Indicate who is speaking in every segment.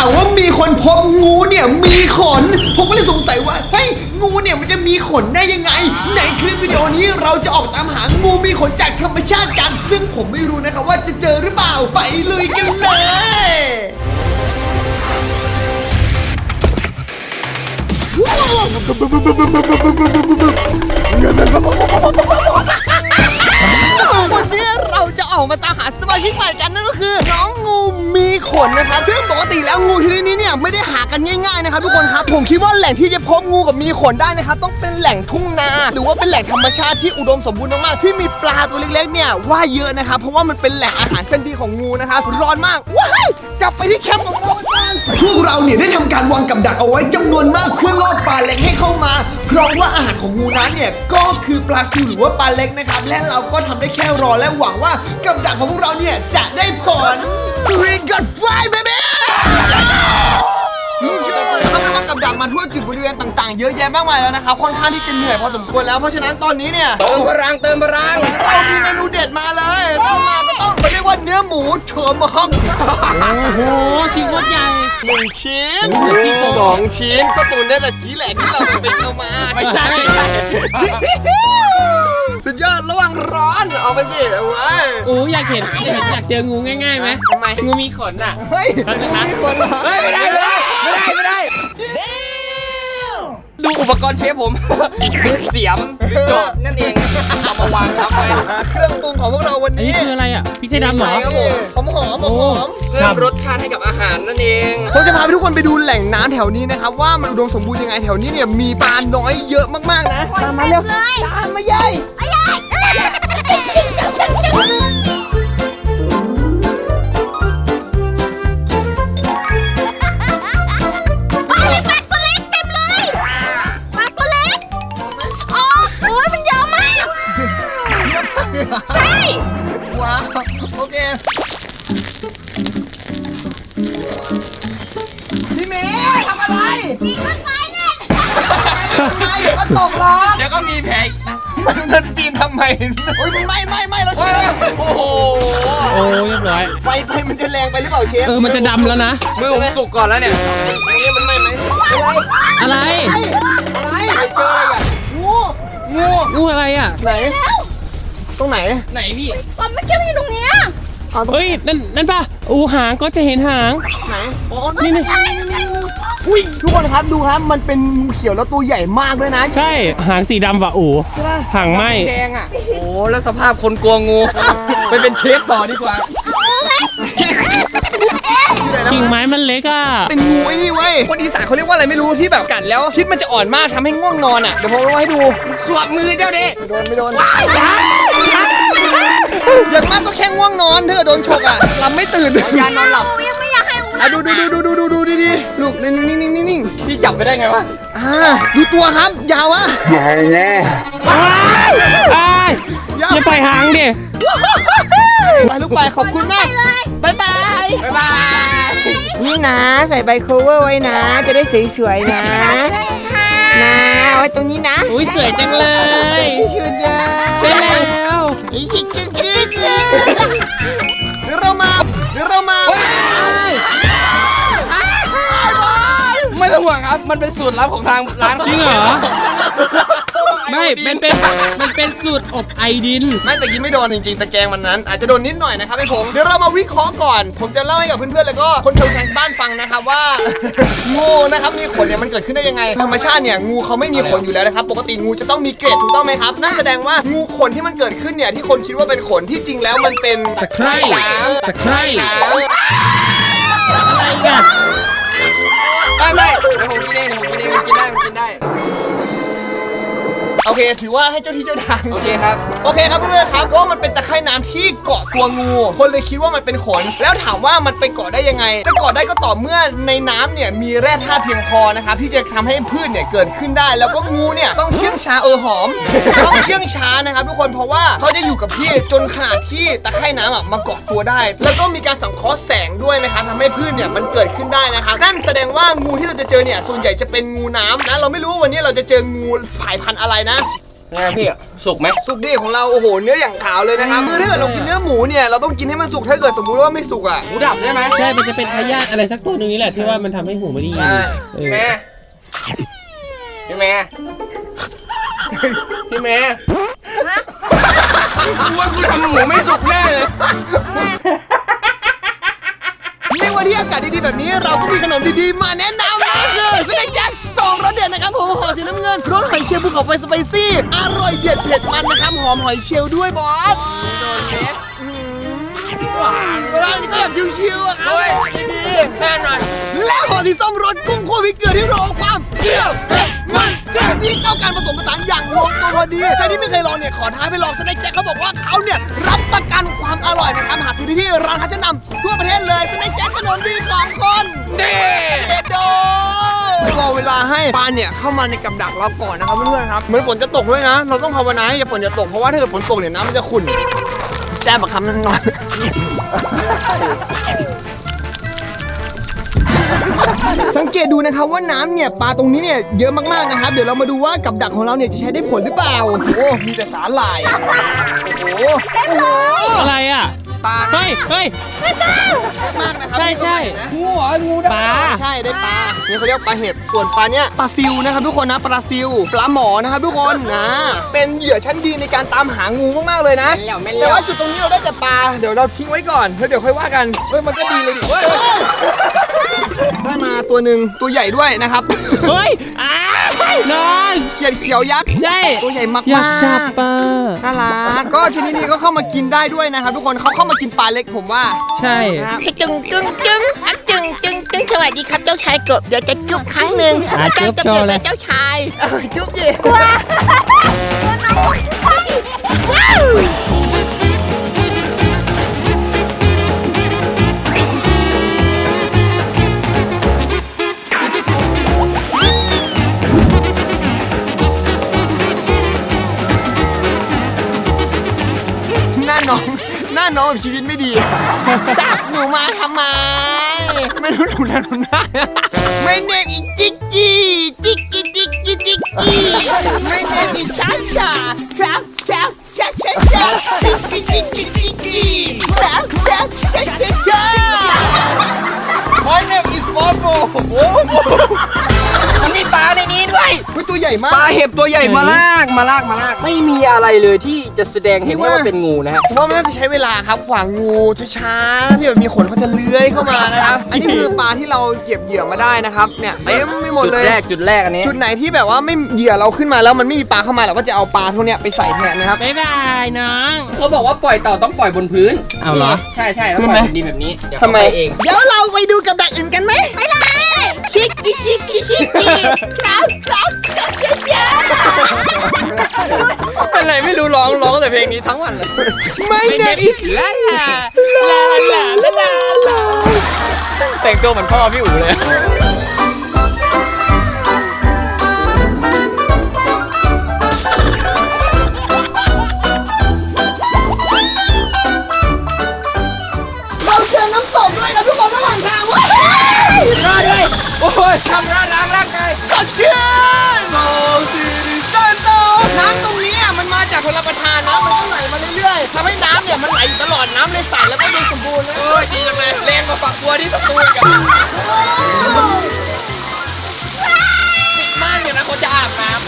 Speaker 1: าวว่ามีคนพบงูเนี่ยมีขนผมก็เลยสงสัยว่าเฮ้ยงูเนี่ยมันจะมีขนได้ยังไงในคลิปวิดีโอนี้เราจะออกตามหางูมีขนจากธรรมชาติกันซึ่งผมไม่รู้นะครับว่าจะเจอหรือเปล่าไปลุยกันเลยวันนี้เราจะออกมาตามหาสมาชิกใหม่กันนั่นก็คือน้องงูมีขนนะครับซึ่งปกติแล้วงูชนิดนี้เนี่ยไม่ได้หากันง่ายๆนะครับทุกคนครับผมคิดว่าแหล่งที่จะพบงูกับมีขนได้นะครับต้องเป็นแหล่งทุ่งนาหรือว่าเป็นแหล่งธรรมชาติที่อุดมสมบูรณ์มากๆที่มีปลาตัวเล็กๆเนี่ยว่ายเยอะนะครับเพราะว่ามันเป็นแหล่งอาหารชั้นดีของงูนะครับร้อนมากว้ายกลับไปที่แคมป์ของเรากันพวกเราเนี่ยได้ทำการวางกับดักเอาไว้จำนวนมากเพื่อล่อปลาเล็กให้เข้ามาเพราะว่าอาหารของงูนั้นเนี่ยก็คือปลาซิวหรือว่าปลาเล็กนะครับและเราก็ทำได้แค่รอและหวังว่ากับดักของพวกเราเนี่ยจะได้ผล We got fly baby เขาทำกับดักมาทั่วจุดบริเวณต่างๆเยอะแยะมากมายแล้วนะครับค่อนข้างที่จะเหนื่อยพอสมควรแล้วเพราะฉะนั้นตอนนี้เนี่ยเติมพลังเรามีเมนูเด็ดมาเลยต้องมาก็ต้องเรียกว่าเนื้อหมูเฉิมฮอก
Speaker 2: โอ้โหชิ้นโคตรใหญ่
Speaker 1: 1 ชิ้น2 ชิ้นก็ตูนได้แต่กี้แหละที่เราไปเอามาไม่ใช่สุดยอดระหว่างร้อนเอาไปสิเอาไว้
Speaker 2: โอ้อยากเห็นอยากเจองูง่ายๆไหม
Speaker 1: ทำไม
Speaker 2: งูมีขนอ่ะ
Speaker 1: เฮ้ย
Speaker 2: มีคนเหรอ
Speaker 1: เฮ้ยไม่ได้ดูอุปกรณ์เชฟผมคือเสียมโจบนั่นเองเอามาวางทับไว้เครื่องปรุงของพวกเราวัน
Speaker 2: อัน
Speaker 1: นี้
Speaker 2: นี้คืออะไรอ่ะพริกไทยดำเหรอ
Speaker 1: ครับผมหอมเพิ่มรสชาติให้กับอาหารนั่นเองผมจะพาทุกคนไปดูแหล่งน้ำแถวนี้นะครับว่ามันอุดมสมบูรณ์ยังไงแถวนี้เนี่ยมีปลาน้อยเยอะมากๆนะตามมาเร็วตามมาใหญ่ว้าวโอเคพี่เมย์ทำอะไรปีนต้นไม้เล่นเดี๋ยวก็ตกหรอก
Speaker 2: เดี๋ยวก็มีแผล
Speaker 1: มันปีนทำไมโอ้ยไม่เราเชฟโอ้โห
Speaker 2: โอ้เรียบร้อย
Speaker 1: ไฟมันจะแรงไปหรือเปล่าเชฟ
Speaker 2: มันจะดำแล้วนะ
Speaker 1: มือผมสุกก่อนแล้วเนี่ยนี่มันไม่ไหม
Speaker 2: อะไร
Speaker 1: เจออะไรอ่ะงู
Speaker 2: งูอะไรอ่ะ
Speaker 1: ไหนตรงไหน
Speaker 2: ไหนพี่
Speaker 3: มันไม่ใช่อยู่ตรงเนี้ย
Speaker 2: เฮ้ยนั่นป่ะหางก็จะเห็นหาง
Speaker 1: ไหนอ๋อ
Speaker 2: นี่
Speaker 1: อุ้ยทุกคนครับดูครับมันเป็นงูเขียวแล้วตัวใหญ่มากด้วยนะ
Speaker 2: ใช่หางสีดำว่ะ
Speaker 1: ใช่ป่ะ
Speaker 2: หางไหม
Speaker 1: แดงอ่ะโอ้แล้วสภาพคนกลัวงูไปเป็นเชฟต่อดีกว่า
Speaker 2: กิ่งไม้มันเล็กอ่ะ
Speaker 1: เป็นงูไอ้นี่เว้ยคนอีสานเขาเรียกว่าอะไรไม่รู้ที่แบบกัดแล้วพิษมันจะอ่อนมากทำให้ง่วงนอนอ่ะเดี๋ยวผมเอาให้ดูสวบมือเจ้าดิไม่โดนอย่างมากก็แค่ง่วงนอนถ้าเกิดโดนฉกอ่ะหลับไม่ตื่นยานอนหลับ
Speaker 3: ยังไม่อยากให้อุ้ม
Speaker 1: ดูดีลูกนิ่ง
Speaker 2: พี่จับไปได้ไงวะ
Speaker 1: ดูตัวครับยาวอะ
Speaker 2: อย่าปล่อยหางดิ
Speaker 1: ไปลูกไปขอบคุณมากบ๊ายบายนี่นะใส่ใบโคเวอร์ไว้นะจะได้สวยๆนะไว้ตรงนี้นะ
Speaker 2: อุ้ยสวยจังเลย
Speaker 1: ชุดเดิม
Speaker 2: ไปแล้ว
Speaker 1: อีกกึ๊กเดี๋ยวเรามาไม่ต้องห่วงครับมันเป็นสูตรลับของทางร้าน
Speaker 2: จริงเหรอไม่มันเป็นสูตรอบไอดิน
Speaker 1: ไม่แต่กินไม่โดนจริงๆตะแกรงมันนั้นอาจจะโดนนิดหน่อยนะครับไอ้ผมเดี๋ยวเรามาวิเคราะห์ก่อนผมจะเล่าให้กับเพื่อนๆแล้วก็คนทางบ้านฟังนะครับว่า งูนะครับมีขนเนี่ยมันเกิดขึ้นได้ยังไงธรรมชาติเนี่ยงูเขาไม่มีขนอยู่แล้วนะครับปกติงูจะต้องมีเกล็ดถูกต้องไหมครับนั่นแสดงว่างูขนที่มันเกิดขึ้นเนี่ยที่คนคิดว่าเป็นขนที่จริงแล้วมันเป็น
Speaker 2: ตะไคร้อะไรกัน
Speaker 1: ไม่เดี๋ยวผมกินเองกินได้โอเคถือว่าให้เจ้าที่เจ้าทางโอเคครับเพื่อนๆครับเพราะมันเป็นตะไคร่น้ำที่เกาะตัวงูคนเลยคิดว่ามันเป็นขนแล้วถามว่ามันไปเกาะได้ยังไงจะเกาะได้ก็ต่อเมื่อในน้ำเนี่ยมีแร่ธาตุเพียงพอนะครับที่จะทำให้พืชเนี่ยเกิดขึ้นได้แล้วก็งูเนี่ยต้องเชื่องช้าหอมต้องเชื่องช้านะครับทุกคนเพราะว่าเขาจะอยู่กับที่จนขนาดที่ตะไคร่น้ำมาเกาะตัวได้แล้วก็มีการสังเคราะห์แสงด้วยนะครับทำให้พืชเนี่ยมันเกิดขึ้นได้นะครับนั่นแสดงว่างูที่เราจะเจอเนี่ยส่วนใหญ่จะเป็นงูน้ำนะเราไม่รู้วันนี้เราจะเจองูสายพันธุ์อะไรนะ
Speaker 2: ไงพี่สุกไหม
Speaker 1: สุกดีของเราโอ้โหเนื้ออย่างขาวเลยนะครับคือถ้าเกิดเรากินเนื้อหมูเนี่ยเราต้องกินให้มันสุกถ้าเกิดสมมุติว่าไม่สุกอ่ะ
Speaker 2: หมูดับได้ไหมใช่มันจะเป็นพยาธิอะไรสักตัวหนึงนี่แหละที่ว่ามันทำให้หูไม่ดี
Speaker 1: ใช่
Speaker 2: แม่พี่แม่พี่แม่กูว่ากูทำหมูไม่สุกแน่เลย
Speaker 1: ในวันที่อากาศดีๆแบบนี้เราก็มีขนมดีๆมาแนะนำนะคือสเน็คแจ็ค2รสเด็ดนะครับผมห่อสีน้ำเงินรสหอยเชลล์ภูเขาไฟสไปซี่อร่อยเด็ดเผ็ดมันนะครับหอมหอยเชลล์ด้วยบอสโดนเล็บร้านนี้ก็แบบชิวๆอ่ะครับดีๆแน่นอนแล้วห่อสีส้มรสกุ้งคั่วพริกเกลือที่รอความเปรี้ยวเผ็ดมันเผ็ดที่เข้ากันผสมผสานอย่างลงตัวพอดีใครที่ไม่เคยลองเนี่ยขอท้าไปลองสเน็คแจ็คเขาบอกว่าเขาเนี่ยรับประกันความอร่อยนะครับหาซื้อได้ที่ร้านค้าชั้นนำทั่วประเทศเลยสเน็คแจ็คขนมดีของคนเด็ดโดรอเวลาให้ปลาเนี่ยเข้ามาในกับดักเราก่อนนะครับเพื่อนๆครับเหมือนฝนจะตกด้วยนะเราต้องภาวนาให้ฝนจะตกเพราะว่าถ้าเกิดฝนตกเนี่ยน้ำมันจะขุ่นแซ่บอะคำนั้นนอนสังเกตดูนะครับว่าน้ำเนี่ยปลาตรงนี้เนี่ยเยอะมากๆนะครับเดี๋ยวเรามาดูว่ากับดักของเราเนี่ยจะใช้ได้ผลหรือเปล่าโอ้มีแต่สาหร่ายโอ้โห
Speaker 2: อะไรอ่ะ
Speaker 1: ปลา
Speaker 2: เฮ้ย
Speaker 1: มากนะครับ
Speaker 2: ใช่
Speaker 1: งูเหรองูปลาใช่ได้ปลานี่เขาเรียกปลาเห็บส่วนปลาเนี่ยปลาซิวนะครับทุกคนนะปลาซิวปลาหมอนะครับทุกคนนะเป็นเหยื่อชั้นดีในการตามหางูมากๆเลยนะแต่ว่าจุดตรงนี้เราได้แต่ปลาเดี๋ยวเราทิ้งไว้ก่อนแล้วเดี๋ยวค่อยว่ากันเฮ้ยมันก็ดีเลยดิเฮ้ยได้มาตัวหนึ่งตัวใหญ่ด้วยนะครับ
Speaker 2: เฮ้ยนอน
Speaker 1: เขียดเขียวยักษ์
Speaker 2: ใช่
Speaker 1: ตัวใหญ่มากๆ
Speaker 2: อยากจับปลา
Speaker 1: น่ารักก็ชนิดนี้ก็เข้ามากินได้ด้วยนะครับทุกคนเขาเข้ามากินปลาเล็กผมว่า
Speaker 2: ใช่
Speaker 3: จึงสวัสดีครับเจ้าชายกบเดี๋ยวจะจุ๊บครั้งหนึ่งจะเปลี่ยนเป็นเจ้าชายจุ๊บดิกลัว
Speaker 1: หน้าน้องแบบชีวิตไม่ดีจับหนูมาทำไมไม่รู้หนูนะหนูหน้าไม่เนมอีจิกกี้ไม่เนมอีซันชาครับจิกกี้ครับMy name is Bobo
Speaker 2: มันมีปลาในนี้ด้วย
Speaker 1: ตัวใหญ่มาก
Speaker 2: ปลาเห็บตัวใหญ่มาลากไม่มีอะไรเลยที่จะแสดงเห็นว่าเป็นงูนะฮะ
Speaker 1: ผมว่ามันน่าจะใช้เวลาครับขวางงูช้าๆที่แบบมีขนเขาจะเลื้อยเข้ามานะครับ อันนี้คือปลาที่เราเก็บเหยื่อมาได้นะครับเนี่ยเต็มไม่หมดเลย
Speaker 2: จุดแรกอันนี้
Speaker 1: จุดไหนที่แบบว่าไม่เหยื่อเราขึ้นมาแล้วมันไม่มีปลาเข้ามาเราก็จะเอาปลาพวกเนี้ยไปใส่แทนนะครับ
Speaker 2: บ๊ายบายน้องเขาบอกว่าปล่อยเต่าต้องปล่อยบนพื้นเอาเหรอใช่แล้วปล่อยบนดินแบบนี้เดี๋ยวเขาไปเอง
Speaker 1: เดี๋ยวเราไปดูกับดักอื่นกันไหม
Speaker 3: ไปเลยชิกกี้ครับ
Speaker 2: เป็นไรไม่รู้ร้องแต่เพลงนี้ทั้งวันเลย
Speaker 1: ไม่ใช่อีก
Speaker 2: ลาแต่งตัวเหมือนพ่อพี่อู๋เลย
Speaker 1: เราเจอน้ำตกด้วยนะทุกคนระหว่างทางเว้ย
Speaker 2: รอด้วยโอ้ยทำร่างกาย
Speaker 1: สดชื่นโอ้สิริสันโตน้ำตรงนี้มันมาจากชลประทานนะมันก็ไหลมาเรื่อยๆทำให้น้ำเนี่ยมันไหลอยู่ตลอดน้ำเลยใสแล้วก็ดูสมบูรณ์เลย
Speaker 2: โอ้ยดีจังเลยแรงกว่าฝักบัวที่สตูนกันติดมากเลยนะคนจะอาบน้ำ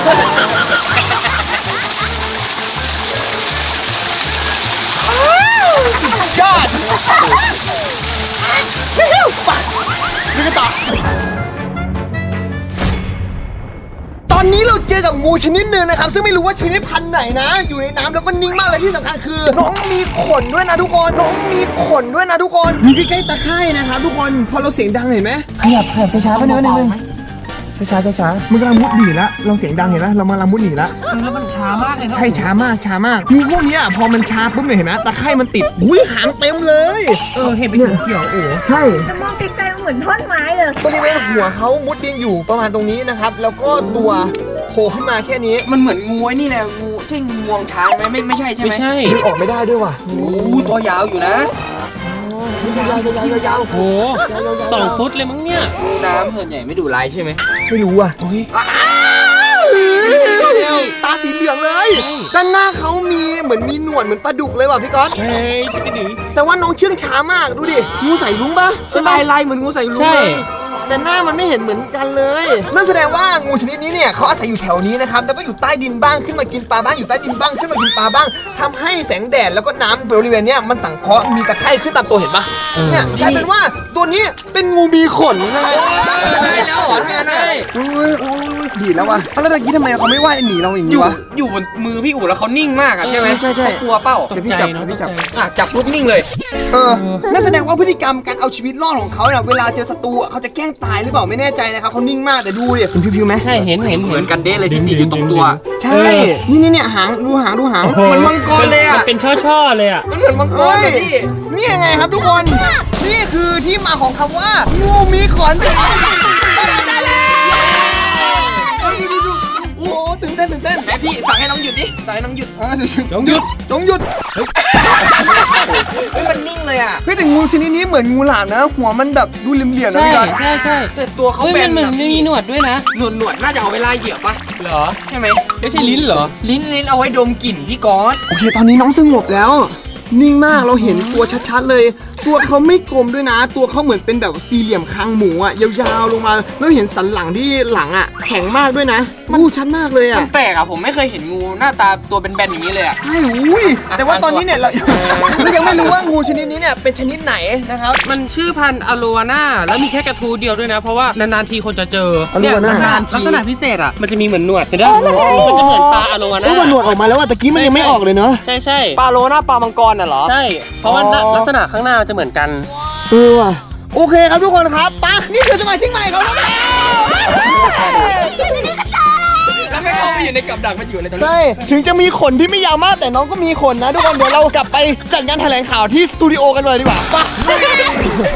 Speaker 1: ยอดนี่ก็ต่อตอนนี้เราเจอกับงูชนิดหนึ่งนะครับซึ่งไม่รู้ว่าชนิดพันธุ์ไหนนะอยู่ในน้ำแล้วก็นิ่งมากเลยที่สำคัญคือน้องมีขนด้วยนะทุกคนอยู่ใกล้ๆตะไคร่นะครับทุกคนพอเราเสียงดังเห็นไหมขยับช้าๆไปนิดนึงช้ามันกำลังมุดหนีแล้วเราเสียงดังเห็นไหมเรากำลังมุดหนีแล้วแล้วมันช้ามากเลยใช่ช้ามากงูพวกนี้พอมันช้าปุ๊บเนี่ยเห็นไหมตะไคร่มันติดอุ้ยหางเต็มเลยเห็นเป็นเขียวโอ้ใช่
Speaker 3: จะมองไกลๆเหมือนท่อนไม้เลย
Speaker 1: บริเวณหัวเขามุดดินอยู่ประมาณตรงนี้นะครับแล้วก็ตัวโผล่ขึ้นมาแค่นี้
Speaker 2: มันเหมือนงูนี่แหละงูใช่งูงวงช้างไหมไม่ใช่ใช่ไหม
Speaker 1: ดึงออกไม่ได้ด้วยว่ะ
Speaker 2: โอ้ตัวยาวอยู่นะ
Speaker 1: ยาว
Speaker 2: โอ้2 ฟุตเลยมั้งเนี่ยงูน้ำส่วนใหญ่ไม่ดุร้ายใช่ไหม
Speaker 1: ไม่รู้อ่ะตาสีเหลืองเลยด้านหน้าเขามีเหมือนมีหนวดเหมือนปลาดุกเลยว่ะพี่ก๊อต
Speaker 2: เฮ้ยจะหนี
Speaker 1: แต่ว่าน้องเชื่องช้ามากดูดิงูใส่ลุงปะใช่ไหมลายเหมือนงูใส่ลุง
Speaker 2: ใช่
Speaker 1: เลยแต่หน้ามันไม่เห็นเหมือนกันเลยนั่นแสดงว่างูชนิดนี้เนี่ยเขาอาศัยอยู่แถวนี้นะครับแล้วก็อยู่ใต้ดินบ้างขึ้นมากินปลาบ้างอยู่ใต้ดินบ้างขึ้นมากินปลาบ้างทำให้แสงแดดแล้วก็น้ำบริเวณเนี้ยมันสังเคราะห์มีตะไคร่ขึ้นตามตัวเห็นปะเนี่ยกลายเป็นว่าตัวนี้เป็นงูมีขนนะ
Speaker 2: ได้แล้วเหรอได้
Speaker 1: โอ้ยดีแล้วว่ะแล้วตะกี้ทำไมเขาไม่ว่ายหนีเราอย่าง
Speaker 2: อ
Speaker 1: นี้
Speaker 2: ยู่
Speaker 1: วะ
Speaker 2: อยู่บนมือพี่อู๋แล้วเขานิ่งมากอะใช่ไหม
Speaker 1: ใช่
Speaker 2: เขากลัวเปล่า
Speaker 1: เดี๋ยวพี่จับเดี๋ยวพี่จับ
Speaker 2: จับปุ๊บนิ่งเลย
Speaker 1: นั่นแสดงว่าพฤติกรรมการเอาชีวิตรอดของเขาเนี่ยเวลาเจอศัตรูอะเขาจะแกล้งตายหรือเปล่าไม่แน่ใจนะครับเขานิ่งมากแต่ดูดิคุณพิวๆไหม
Speaker 2: ใช่เห็นเหมือนกันเด้เลยที่ติดอยู่ตรงตัว
Speaker 1: ใช่ นี่หางดูหางเหมือนมังกรเลย
Speaker 2: มั
Speaker 1: อ่ะ
Speaker 2: นเป็นช่อๆเลยอ่ะมันเหมือนมังกรเลยพี่
Speaker 1: นี่ยังไงครับทุกคน นี่คือที่มาของคำว่างูมีขนดูโอ้โหตื่นเต้น
Speaker 2: ไหนพี่สั่งให้น้องหยุดดิสั่งให้น้องหยุด
Speaker 1: ต้องหยุดเฮ้ยมันนิ่งเลยอ่ะเฮ้ยแต่งูชนิดนี้เหมือนงูหลามนะ หัวมันแบบดูเหลี่ยมๆนะ
Speaker 4: ใช่
Speaker 1: พี่ก๊อต
Speaker 4: ใช่ใช่
Speaker 2: แต่ตัวเขา
Speaker 4: เฮ้ย
Speaker 2: เป็น
Speaker 4: มันมีหนวดด้วยนะ
Speaker 2: หนวดน่าจะเอาไว้ล่าเหยื่อปะ
Speaker 4: เหรอ
Speaker 2: ใช่ไหม
Speaker 4: ไม่ใช่ลิ้นเหรอ
Speaker 2: ลิ้นเอาไว้ดมกลิ่นพี่ก๊อต
Speaker 1: โอเคตอนนี้น้องสงบแล้ว นิ่งมากเราเห็นตัวชัดๆเลย ตัวเขาไม่กลมด้วยนะ ตัวเขาเหมือนเป็นแบบสี่เหลี่ยมคางหมูอ่ะยาวๆลงมาแล้วเห็นสันหลังที่หลังอ่ะแข็งมากด้วยนะงูชัดมากเลย
Speaker 2: มั
Speaker 1: อ่ะ
Speaker 2: นแปลกอะผมไม่เคยเห็นงูหน้าตาตัวเป็นแบนๆอย่างนี้เลยอะ
Speaker 1: ใช่อุ้ยแต่ว่าตอนนี้เนี่ยเรา ยังไม่รู้ว่างูชนิดนี้เนี่ยเป็นชนิดไหนนะครับ
Speaker 4: มันชื่อพันธุ์อโลวาน่าแล้วมีแค่กระทูเดียวด้วยนะ เพราะว่านานๆทีคนจะเจอ
Speaker 1: อโลวาน่า
Speaker 4: เนี่ยลักษณะพิเศษอ่ะ มันจะมีเหมือนหนวดเห็นไหมมันจะเหมือนปลาอโลวา
Speaker 1: เอ้
Speaker 4: น่าย
Speaker 1: มันหนวดออกมาแล้วอ่ะตะกี้มันยังไม่ออกเลยเนาะ
Speaker 4: ใช่ใช่
Speaker 2: ปลาโลหน้าปลามังกรน่ะเหรอ
Speaker 4: ใช่ เพราะว่าลักษณะข้างหน้ามันจะเหมือนกัน
Speaker 1: ว่ะโอเคครับทุกคนครับไปนี่คือสมาชิกใหม่ของเราแล้ว
Speaker 2: แล้วไม่เข้าไปอยู่ในกับดักมันอยู่อะไรตรงนี้
Speaker 1: ใช่ถึงจะมีขนที่ไม่ยาวมากแต่น้องก็มีขนนะทุกคนเดี๋ยวเรากลับไปจัดงานแถลงข่าวที่สตูดิโอกันเลยดีกว่าไป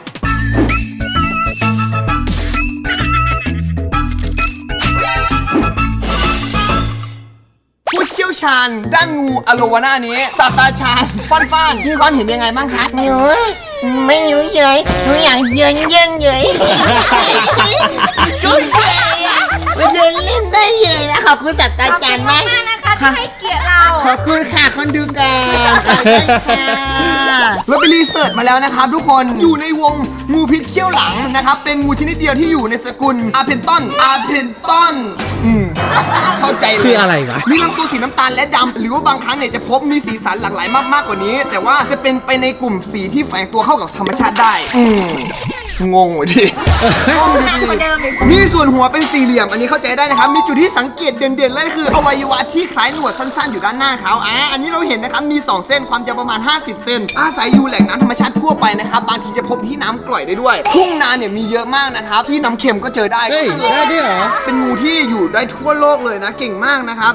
Speaker 1: ผู้เชี่ยวชาญด้านงูอโลวาน่านี้ศาสตราจารย์ฟ้านพี่ฟ้านเห็นยังไงบ้างคะ
Speaker 3: หนูไม่รู้เยยหนูอยากเยินเยินเยยจุ๊บเยยอ่ะมาเดินเล่นได้เยยนะขอบคุณศาสตราจารย์มาก
Speaker 5: ที่ให้เกียรติเรา
Speaker 1: ขอบคุณค่ะคนดูกันเราไปรีเสิร์ชมาแล้วนะครับทุกคนอยู่ในวงงูพิษเขี้ยวหลังนะครับเป็นงูชนิดเดียวที่อยู่ในสกุลอาเพนตอนเข้าใจเลย
Speaker 4: คืออะไรวะ
Speaker 1: มีลำตัวสีน้ำตาลและดำหรือว่าบางครั้งเนี่ยจะพบมีสีสันหลากหลายมากกว่านี้ แต่ว่าจะเป็นไปในกลุ่มสีที่แฝงตัวเข้ากับธรรมชาติได้งงว่ะดิมีส่วนหัวเป็นสี่เหลี่ยมอันนี้เข้าใจได้นะครับมีจุดที่สังเกตเด่นๆเลยคืออวัยวะที่คล้ายหนวดสั้นๆอยู่ด้านหน้าเขาอันนี้เราเห็นนะครับมี2เส้นความยาวประมาณ50เซนอาศัยอยู่แหล่งน้ำธรรมชาติทั่วไปนะครับบางทีจะพบที่น้ำกร่อยได้ด้วยทุ่งนาเนี่ยมีเยอะมากนะครับที่น้ำเค็มก็เจอได้
Speaker 4: เฮ้ย ได้ด้วยเหรอ
Speaker 1: เป็นงูที่อยู่ได้ทั่วโลกเลยนะเก่งมากนะครับ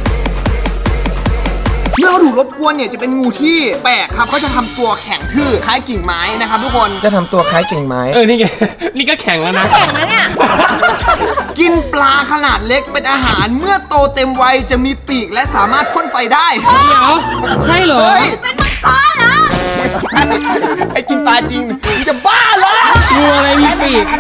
Speaker 1: เมื่อเขาถูกรบกวนเนี่ยจะเป็นงูที่แปลกครับเขาจะทำตัวแข็งทื่อคล้ายกิ่งไม้นะครับทุกคนจะทำตัวคล้ายกิ่งไม้
Speaker 4: นี่ไง นี่ก็แข็งแล้วนะ
Speaker 1: กินปลาขนาดเล็กเป็นอาหารเมื่อโตเต็มวัยจะมีปีกและสามารถพ่นไฟได้
Speaker 4: เดี๋ยว ใช่เหรอ
Speaker 1: เฮ้ยไอ้กินปลาจริงมึงจะบ้าเหรอ
Speaker 4: งูอะไรมีปีก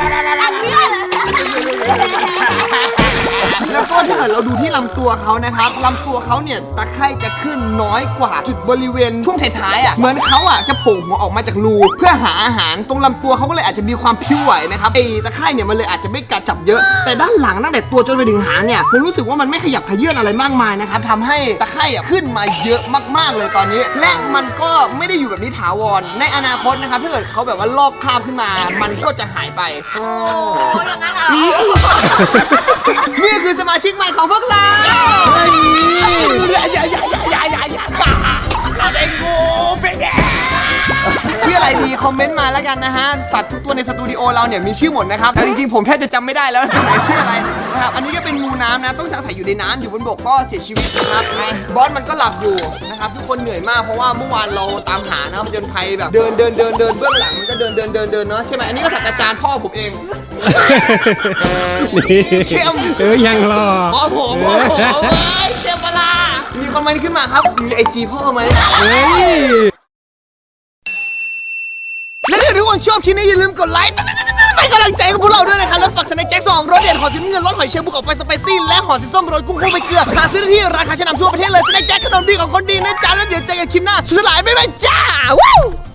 Speaker 1: แล้วก็ถ้าเกิดเราดูที่ลำตัวเขานะครับลำตัวเขาเนี่ยตะไคร่จะขึ้นน้อยกว่าจุดบริเวณช่วงท้ายๆอ่ะเหมือนเขาอ่ะจะโผล่หัวออกมาจากรูเพื่อหาอาหารตรงลำตัวเขาก็เลยอาจจะมีความพิ้วไหวนะครับไอ้ตะไคร่เนี่ยมันเลยอาจจะไม่กัดจับเยอะ แต่ด้านหลังตั้งแต่ตัวจนไปถึงหางเนี่ยผมรู้สึกว่ามันไม่ขยับเขยื้อนอะไรมากมายนะครับทำให้ตะไคร่อ่ะขึ้นมาเยอะมากๆเลยตอนนี้ และมันก็ไม่ได้อยู่แบบนี้ถาวรในอนาคตนะครับถ้าเกิดเขาแบบว่าลอกคราบขึ้นมา มันก็จะหายไป นี่คือสมาชิกใหม่ของพวกเราเราได้งูเป็นแกชื่ออะไรดีคอมเมนต์มาแล้วกันนะฮะสัตว์ทุกตัวในสตูดิโอเราเนี่ยมีชื่อหมดนะครับแต่จริงๆผมแทบจะจำไม่ได้แล้วไหนชื่ออะไรนะครับอันนี้ก็เป็นงูน้ำนะต้องอาศัยอยู่ในน้ำอยู่บนบกก็เสียชีวิตนะครับบอสมันก็หลับอยู่นะครับทุกคนเหนื่อยมากเพราะว่าเมื่อวานเราตามหานะผจญภัยแบบเดินเบื้องหลังมันก็เดินเนาะใช่ไหมอันนี้ก็ศาสตราจารย์พ่อผมเองเข้ม
Speaker 4: ยังรอ
Speaker 1: พ่อผมเจ้าปลามีคอมเมนต์ขึ้นมาครับมีไอจีพ่อไหมและถ้าทุกคนชอบคลิปนี้อย่าลืมกดไลค์เป็นกำลังใจกับพวกเราด้วยนะครับแล้วฝากสแน็คแจ็ค2รสเด็ดห่อสีน้ำเงินรสหอยเชลล์บุกออกไฟสไปซี่และห่อสีส้มรสกุ้งไปเกลือหาซื้อได้ที่ราคาชั้นนำทั่วประเทศเลยสแน็คแจ็คขนมดีของคนดีนะจ๊ะแล้วเดี๋ยวเจอกันคลิปหน้าสุดสลายบ๊ายบายจ้าวู้